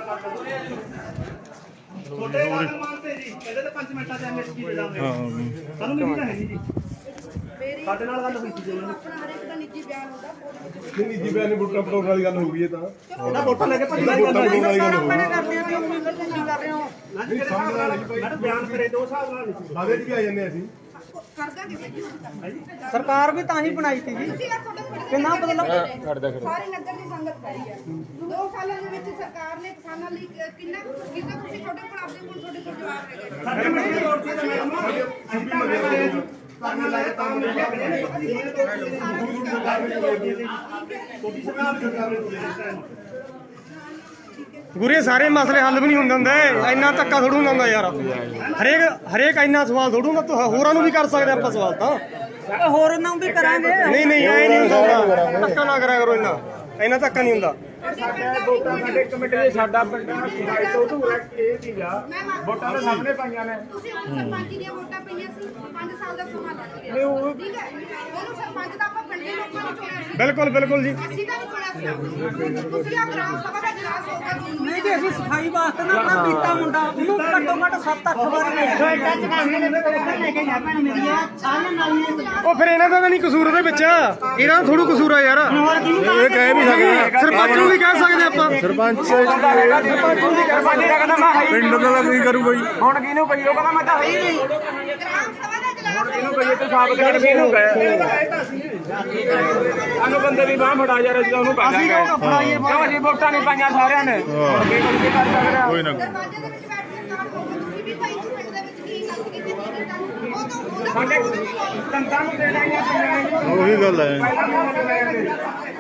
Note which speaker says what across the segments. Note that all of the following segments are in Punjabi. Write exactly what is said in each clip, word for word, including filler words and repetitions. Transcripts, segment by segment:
Speaker 1: ਛੋਟੇ ਗੱਲ ਮੰਨਦੇ ਜੀ ਇਹਦੇ ਤੇ ਪੰਜ ਮਿੰਟਾਂ ਚ ਐਮਐਸਪੀ ਦੇ ਦਾਂਗੇ ਸਾਨੂੰ ਨਹੀਂ ਹੈ ਜੀ ਸਾਡੇ ਨਾਲ ਗੱਲ ਹੋਈ ਸੀ ਜੀ ਉਹਨਾਂ
Speaker 2: ਆਪਣਾ ਹਰ ਇੱਕ ਦਾ ਨਿੱਜੀ ਬਿਆਨ ਹੁੰਦਾ
Speaker 3: ਨਹੀਂ ਨਿੱਜੀ ਬਿਆਨ ਵੋਟਾਂ ਪਟਾਉਣ ਵਾਲੀ ਗੱਲ ਹੋ ਗਈ ਇਹ ਤਾਂ
Speaker 1: ਉਹਦਾ ਵੋਟਾਂ ਲੈ ਕੇ ਭੱਜ ਗਏ
Speaker 3: ਵੋਟਾਂ ਪਟਾਉਣ ਵਾਲੀ ਗੱਲ ਹੋ ਗਈ
Speaker 2: ਕਰਦੇ ਆ ਤੇ ਉਮੀਦ ਤੁਸੀਂ ਕਰ ਰਹੇ ਹੋ
Speaker 1: ਨਹੀਂ ਸਮਝ ਨਾਲ ਮੈਡਮ ਬਿਆਨ ਕਰੇ ਦੋ ਹਿਸਾਬ ਨਾਲ ਨਹੀਂ
Speaker 3: ਬਾਦੇ ਚ ਵੀ ਆ ਜਾਂਦੇ ਅਸੀਂ
Speaker 2: ਕਰਦਾ ਕਿਵੇਂ
Speaker 4: ਸਰਕਾਰ ਵੀ ਤਾਂ ਹੀ ਬਣਾਈ ਸੀ ਜੀ
Speaker 2: ਤੁਸੀਂ ਆ ਤੁਹਾਡੇ
Speaker 4: ਕਿੰਨਾ ਬਦਲਾਅ
Speaker 2: ਸਾਰੀ ਨਗਰ ਦੀ ਸੰਗਤ ਖੜੀ ਹੈ ਦੋ ਸਾਲਾਂ ਦੇ ਵਿੱਚ ਸਰਕਾਰ ਨੇ ਕਿਸਾਨਾਂ ਲਈ ਕਿੰਨਾ ਕਿੰਨਾ ਤੁਸੀਂ ਛੋਟੇ ਕੋਲ ਆਪਦੇ ਕੋਲ ਤੁਹਾਡੇ ਕੋਲ ਜਵਾਬ ਹੈਗੇ
Speaker 1: ਸਾਡੇ ਮੰਡੀ ਦੀ ਰੋਡ ਤੇ ਮੈਡਮ ਅਸੀਂ ਤਾਂ ਮੈਂ ਆਇਆ ਜੀ ਕਰਨਾ ਲਾਇਆ ਤਾਂ ਮੈਂ ਕਿਹਾ ਛੋਟੀ ਸਰਕਾਰ ਸਰਕਾਰ ਨੇ
Speaker 4: ਗੁਰੇ ਸਾਰੇ ਮਸਲੇ ਹੱਲ ਵੀ ਨਹੀਂ ਹੁੰਦੇ ਹੁੰਦੇ ਇੰਨਾ ਧੱਕਾ ਥੋੜੂ ਹੁੰਦਾ ਯਾਰ ਹਰੇਕ ਹਰੇਕ ਇੰਨਾ ਸਵਾਲ ਥੋੜੂਗਾ ਤੂੰ ਹੋਰਾਂ ਨੂੰ ਵੀ ਕਰ ਸਕਦੇ ਆਪਾਂ ਸਵਾਲ ਤਾਂ ਹੋਰ ਇਹਨਾਂ ਨੂੰ ਵੀ ਕਰਾਂਗੇ ਨਹੀਂ ਨਹੀਂ ਐ ਨਹੀਂ ਹੁੰਦਾ ਧੱਕਾ ਨਾ ਕਰਿਆ ਕਰੋ ਇੰਨਾ ਇੰਨਾ ਧੱਕਾ ਨਹੀਂ ਹੁੰਦਾ
Speaker 1: ਸਾਡੇ ਵੋਟਾਂ ਸਾਡੇ ਕਮੇਟੀ ਦੇ ਸਾਡਾ ਪਿੰਡ ਸਾਈਡ ਤੋਂ ਅਧੂਰਾ ਇਹ ਸੀਗਾ ਵੋਟਾਂ ਤਾਂ ਸਾਹਮਣੇ ਪਾਈਆਂ ਨੇ
Speaker 2: ਤੁਸੀਂ ਹੁਣ ਸਰਪੰਚ ਦੀਆਂ ਵੋਟਾਂ ਪਈਆਂ ਸੀ ਪੰਜ ਸਾਲ ਦਾ ਸਮਾਂ ਲੱਗ ਗਿਆ ਠੀਕ ਹੈ ਉਹਨੂੰ ਸਰਪੰਚ ਦਾ ਆਪਾਂ ਪਿੰਡ ਦੇ ਲੋਕਾਂ ਨੂੰ ਚੁਣਿਆ ਸੀ
Speaker 4: ਬਿਲਕੁਲ ਬਿਲਕੁਲ ਜੀ
Speaker 2: ਅਸੀਂ ਤਾਂ ਨਹੀਂ ਚੁਣਿਆ ਸੀ ਤੁਸੀਂ ਆ ਗ੍ਰਾਮ ਸਭਾ ਦਾ ਇਜਲਾਸ ਹੋਊਗਾ
Speaker 4: ਨਹੀਂ ਜੀ ਅਸੀਂ ਸਫਾਈ ਵਾਸਤੇ ਨਾ ਆਪਣਾ ਬੀਤਾ ਮੁੰਡਾ ਉਹਨੂੰ ਘੱਟੋ ਘੱਟ ਸੱਤ ਅੱਠ ਵਾਰੀ ਉਹ ਫਿਰ ਇਹਨਾਂ ਦਾ ਤਾਂ ਨਹੀਂ ਕਸੂਰ ਉਹਦੇ ਵਿੱਚ ਇਹਨਾਂ ਦਾ ਥੋੜੂ ਕਸੂਰ ਆ ਯਾਰ
Speaker 3: ਇਹ ਕਹਿ ਵੀ ਸਕਦੇ
Speaker 4: ਸਰਪੰਚ ਨੂੰ ਵੀ ਕਹਿ ਸਕਦੇ ਆਪਾਂ
Speaker 3: ਸਰਪੰਚ
Speaker 4: ਸਰਪੰਚ ਨੂੰ ਵੀ ਕਹਿ ਸਕਦੇ
Speaker 3: ਪਿੰਡ ਦਾ ਕੀ ਕਰੂਗਾ ਜੀ
Speaker 1: ਹੁਣ ਕਿਹਨੂੰ ਪਈ ਉਹ ਕਹਿੰਦਾ ਮੈਂ ਤਾਂ ਹੈ ਹੀ ਨਹੀਂ
Speaker 2: ਗ੍ਰਾਮ ਸਭਾ ਦਾ ਇਜਲਾਸ
Speaker 1: ਇਹਨੂੰ ਕਹੀਏ ਤੂੰ ਸਾਬਤ ਕਰ ਕਿਹਨੂੰ ਕਹੇ ਸਾਨੂੰ ਬੰਦੇ ਦੀ ਬਾਹ ਫੜਾ ਜਾ ਰਿਹਾ ਉਹਨੂੰ ਪਾ ਦਾਂਗੇ ਕਿਉਂ ਅਸੀਂ ਵੋਟਾਂ ਨਹੀਂ ਪਾਈਆਂ ਸਾਰਿਆਂ ਨੇ ਕੀ ਕਰ ਸਕਦਾ
Speaker 3: ਕੋਈ ਨਾ
Speaker 2: ਦਰਵਾਜ਼ੇ ਦੇ ਵਿੱਚ ਬੈਠ ਕੇ ਕੰਮ ਹੋਊਗਾ ਤੁਸੀਂ ਵੀ ਭਾਈ ਪਿੰਡ ਦੇ ਵਿੱਚ ਕੀ ਗੱਲ ਕੀਤੀ ਕੀ ਕੀਤਾ ਉਹ ਤਾਂ ਉਹਦਾ
Speaker 1: ਸਾਡੇ ਦੰਦਾਂ ਨੂੰ ਦੇਣਾ ਹੀ ਆ
Speaker 3: ਉਹੀ ਗੱਲ ਹੈ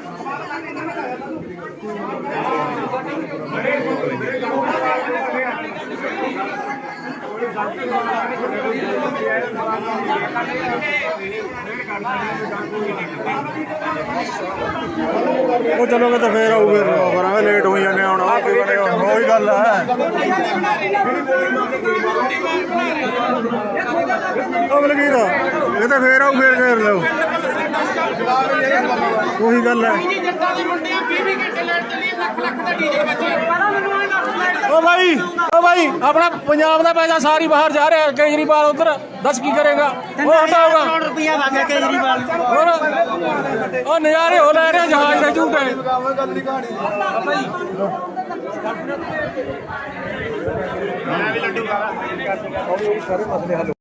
Speaker 3: ਉਹ ਚਲੋਗੇ ਤਾਂ ਫੇਰ ਆਊ ਫਿਰ ਕਰਾਂਗੇ ਲੇਟ ਹੋਈ ਜਾਂਦੇ ਹੁਣ ਉਹ ਕੀ ਬਣੇਗਾ ਉਹੀ ਗੱਲ ਹੈ ਉਹ ਬਲਗੀਰ ਇਹ ਤਾਂ ਫੇਰ ਆਊ ਫੇਰ ਫੇਰ ਲਓ ਉਹੀ ਗੱਲ ਹੈ ਉਹ ਭਾਈ ਉਹ ਭਾਈ ਆਪਣਾ ਪੰਜਾਬ ਦਾ ਪੈਸਾ ਸਾਰੀ ਬਾਹਰ ਜਾ ਰਿਹਾ ਕੇਜਰੀਵਾਲ ਉਧਰ ਦੱਸ ਕੀ ਕਰੇਗਾ ਉਹ ਹਟਾਊਗਾ
Speaker 4: ਕਰੋੜ ਰੁਪਇਆ ਮੰਗਿਆ ਕੇਜਰੀਵਾਲ
Speaker 3: ਹੋਰ ਉਹ ਨਜ਼ਾਰੇ ਹੋ ਲੈ ਰਿਹਾ ਜਹਾਜ਼ ਦੇ ਝੂਟੇ
Speaker 1: ਮੈਂ ਵੀ ਲੱਡੂ ਖਾ
Speaker 3: ਸਾਰੇ ਮਸਲੇ ਹੱਲ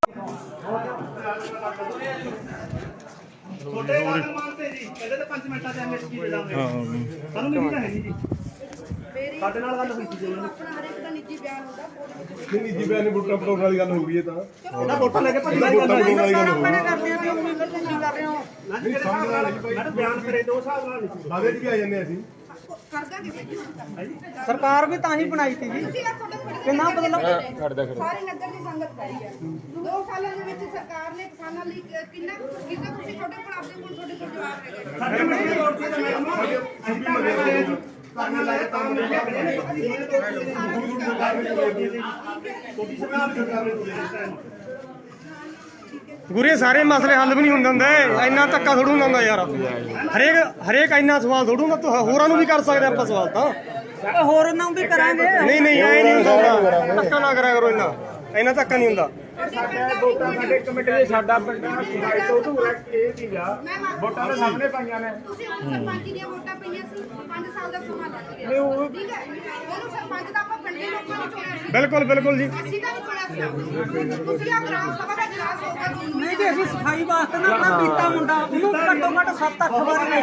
Speaker 1: ਛੋਟੇ ਗੱਲ ਮੰਨਦੇ ਜੀ ਇਹਦੇ ਤੇ ਪੰਜ ਮਿੰਟਾਂ ਚ ਐਮਐਸਪੀ ਦੇ ਦਾਂਗੇ ਸਾਨੂੰ ਨਹੀਂ ਹੈ ਜੀ
Speaker 2: ਮੇਰੀ
Speaker 1: ਸਾਡੇ ਨਾਲ ਗੱਲ ਹੋਈ ਸੀ ਜੀ ਉਹਨਾਂ
Speaker 2: ਆਪਣਾ ਹਰ ਇੱਕ ਦਾ ਨਿੱਜੀ ਬਿਆਨ ਹੁੰਦਾ
Speaker 3: ਨਹੀਂ ਨਿੱਜੀ ਬਿਆਨ ਵੋਟਾਂ ਪਟਾਉਣ ਵਾਲੀ ਗੱਲ ਹੋ ਗਈ ਇਹ ਤਾਂ
Speaker 1: ਉਹਦਾ ਵੋਟਾਂ ਲੈ ਕੇ ਭੱਜ ਗਏ
Speaker 3: ਵੋਟਾਂ ਪਟਾਉਣ ਵਾਲੀ ਗੱਲ ਹੋ ਗਈ
Speaker 4: ਕਰਦੇ ਆ ਤੇ ਉਮੀਦ ਤੁਸੀਂ ਕਰ ਰਹੇ ਹੋ
Speaker 1: ਨਹੀਂ ਸਮਝ ਨਾਲ ਮੈਡਮ ਬਿਆਨ ਕਰੇ ਦੋ ਹਿਸਾਬ ਨਾਲ ਨਹੀਂ
Speaker 3: ਬਾਦੇ ਚ ਵੀ ਆ ਜਾਂਦੇ ਅਸੀਂ
Speaker 2: ਕਰਦਾ ਕਿਵੇਂ
Speaker 4: ਸਰਕਾਰ ਵੀ ਤਾਂ ਹੀ ਬਣਾਈ ਸੀ ਜੀ
Speaker 2: ਤੁਸੀਂ ਆ ਤੁਹਾਡੇ
Speaker 4: ਕਿੰਨਾ ਬਦਲਾਅ
Speaker 2: ਸਾਰੀ ਨਗਰ ਦੀ ਸੰਗਤ ਖੜੀ ਹੈ ਦੋ ਸਾਲਾਂ ਦੇ ਵਿੱਚ ਸਰਕਾਰ ਨੇ ਕਿਸਾਨਾਂ ਲਈ ਕਿੰਨਾ ਕਿੰਨਾ ਤੁਸੀਂ ਛੋਟੇ ਕੋਲ ਆਪਦੇ ਕੋਲ ਤੁਹਾਡੇ ਕੋਲ ਜਵਾਬ ਹੈਗੇ
Speaker 1: ਸਾਡੇ ਮੰਡੀ ਦੀ ਰੋਡ ਤੇ ਮੈਡਮ ਅਸੀਂ ਤਾਂ ਮੈਂ ਆਇਆ ਜੀ ਕਰਨਾ ਲਾਇਆ ਤਾਂ ਮੈਂ ਕਿਹਾ ਛੋਟੀ ਸਰਕਾਰ ਸਰਕਾਰ ਨੇ
Speaker 4: ਗੁਰੇ ਸਾਰੇ ਮਸਲੇ ਹੱਲ ਵੀ ਨਹੀਂ ਹੁੰਦੇ ਹੁੰਦੇ ਇੰਨਾ ਧੱਕਾ ਥੋੜੂ ਹੁੰਦਾ ਯਾਰ ਹਰੇਕ ਹਰੇਕ ਇੰਨਾ ਸਵਾਲ ਥੋੜੂਗਾ ਤੂੰ ਹੋਰਾਂ ਨੂੰ ਵੀ ਕਰ ਸਕਦੇ ਆਪਾਂ ਸਵਾਲ ਤਾਂ ਹੋਰ ਇਹਨਾਂ ਨੂੰ ਵੀ ਕਰਾਂਗੇ ਨਹੀਂ ਨਹੀਂ ਐ ਨਹੀਂ ਹੁੰਦਾ ਧੱਕਾ ਨਾ ਕਰਿਆ ਕਰੋ ਇੰਨਾ ਇੰਨਾ ਧੱਕਾ ਨਹੀਂ ਹੁੰਦਾ
Speaker 1: ਸਾਡੇ ਵੋਟਾਂ ਸਾਡੇ ਕਮੇਟੀ ਦੇ ਸਾਡਾ ਪਿੰਡ ਸਾਈਡ ਤੋਂ ਅਧੂਰਾ ਇਹ ਸੀਗਾ ਵੋਟਾਂ ਤਾਂ ਸਾਹਮਣੇ ਪਾਈਆਂ ਨੇ
Speaker 2: ਤੁਸੀਂ ਹੁਣ ਸਰਪੰਚ ਦੀਆਂ ਵੋਟਾਂ ਪਈਆਂ ਸੀ ਪੰਜ ਸਾਲ ਦਾ ਸਮਾਂ ਲੱਗ ਗਿਆ ਠੀਕ ਹੈ ਉਹਨੂੰ ਸਰਪੰਚ ਦਾ ਆਪਾਂ ਪਿੰਡ ਦੇ ਲੋਕਾਂ ਨੂੰ ਚੁਣਿਆ ਸੀ
Speaker 4: ਬਿਲਕੁਲ ਬਿਲਕੁਲ ਜੀ
Speaker 2: ਅਸੀਂ ਤਾਂ ਨਹੀਂ ਚੁਣਿਆ ਸੀ ਤੁਸੀਂ ਆ ਗ੍ਰਾਮ ਸਭਾ ਦਾ ਇਜਲਾਸ ਹੋਊਗਾ
Speaker 4: ਨਹੀਂ ਜੀ ਅਸੀਂ ਸਫਾਈ ਵਾਸਤੇ ਨਾ ਆਪਣਾ ਬੀਤਾ ਮੁੰਡਾ ਉਹਨੂੰ ਘੱਟੋ ਘੱਟ ਸੱਤ ਅੱਠ ਵਾਰੀ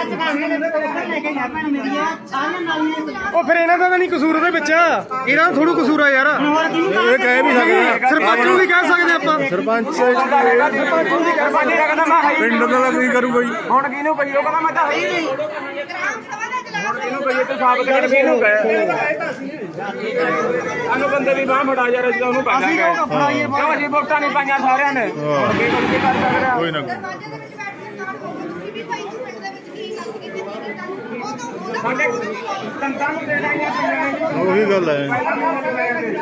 Speaker 4: ਉਹ ਫਿਰ ਇਹਨਾਂ ਦਾ ਤਾਂ ਨਹੀਂ ਕਸੂਰ ਉਹਦੇ ਵਿੱਚ ਇਹਨਾਂ ਦਾ ਥੋੜੂ ਕਸੂਰ ਆ ਯਾਰ
Speaker 3: ਇਹ ਕਹਿ ਵੀ ਸਕਦੇ
Speaker 4: ਸਰਪੰਚ ਨੂੰ ਵੀ ਕਹਿ ਸਕਦੇ ਆਪਾਂ
Speaker 3: ਸਰਪੰਚ
Speaker 1: ਸਰਪੰਚ ਨੂੰ ਵੀ ਕਰ ਸਕਦੇ ਕਹਿੰਦਾ ਮੈਂ ਹੈ ਹੀ
Speaker 3: ਪਿੰਡ ਦਾ ਕੀ ਕਰੂਗਾ ਜੀ
Speaker 1: ਹੁਣ ਕਿਹਨੂੰ ਕਹੀਏ ਉਹ ਕਹਿੰਦਾ ਮੈਂ ਤਾਂ ਹੈ ਹੀ ਨਹੀਂ
Speaker 2: ਗ੍ਰਾਮ ਸਭਾ ਦਾ ਇਜਲਾਸ
Speaker 1: ਕਿਹਨੂੰ ਕਹੀਏ ਤੂੰ ਸਾਬਤ ਕਰ ਕਿਹਨੂੰ ਕਹੇ ਸਾਨੂੰ ਬੰਦੇ ਦੀ ਬਾਹ ਫੜਾ ਜਾ ਰਿਹਾ ਉਹਨੂੰ ਪਾ ਦਾਂਗੇ ਕਿਉਂ ਅਸੀਂ ਵੋਟਾਂ ਨਹੀਂ ਪਾਈਆਂ ਸਾਰਿਆਂ ਨੇ ਕੀ ਕਰ ਸਕਦਾ
Speaker 3: ਕੋਈ ਨਾ
Speaker 2: ਦਰਵਾਜ਼ੇ ਦੇ ਵਿੱਚ ਬੈਠ ਕੇ ਕੰਮ ਹੋਊਗਾ ਤੁਸੀਂ ਵੀ ਭਾਈ ਪਿੰਡ ਦੇ ਵਿੱਚ ਕੀ ਗੱਲ ਕੀਤੀ ਕੀ ਕੀਤਾ ਉਹ ਤਾਂ ਉਹਦਾ
Speaker 1: ਸਾਡੇ ਦੰਦਾਂ ਨੂੰ ਦੇਣਾ ਹੀ ਆ
Speaker 3: ਉਹੀ ਗੱਲ ਹੈ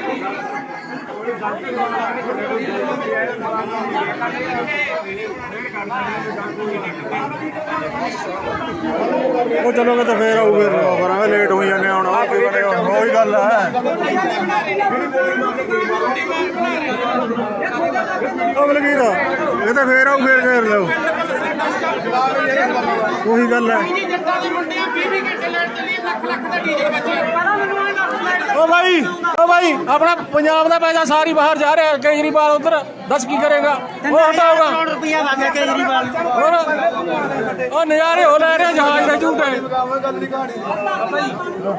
Speaker 1: Thank you.
Speaker 3: ਉਹ ਚਲੋਗੇ ਤਾਂ ਫੇਰ ਆਊਗੇ ਕਰਾਂਗੇ ਲੇਟ ਹੋਈ ਜਾਂਦੇ ਹੁਣ ਆ ਕੀ ਬਣੇਗਾ ਉਹੀ ਗੱਲ ਹੈ ਉਹ ਬਲਗੀਰ ਇਹ ਤਾਂ ਫੇਰ ਆਊ ਫੇਰ ਫੇਰ ਲਓ ਉਹੀ ਗੱਲ ਹੈ ਉਹ ਭਾਈ ਉਹ ਭਾਈ ਆਪਣਾ ਪੰਜਾਬ ਦਾ ਪੈਸਾ ਸਾਰੀ ਬਾਹਰ ਜਾ ਰਿਹਾ ਕੇਜਰੀਵਾਲ ਉਧਰ ਦੱਸ ਕੀ ਕਰੇਗਾ ਉਹ ਹਟਾਊਗਾ
Speaker 4: ਕਰੋੜ ਰੁਪਇਆ ਵਗ ਗਿਆ ਕੇਜਰੀਵਾਲ
Speaker 3: ਹੋਰ ਉਹ ਨਜ਼ਾਰੇ ਹੋ ਲੈ ਰਿਹਾ ਜਹਾਜ਼ ਦੇ ਝੂਟੇ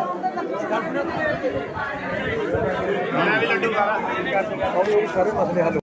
Speaker 1: ਸਾਰੇ ਮਸਲੇ ਹੱਲ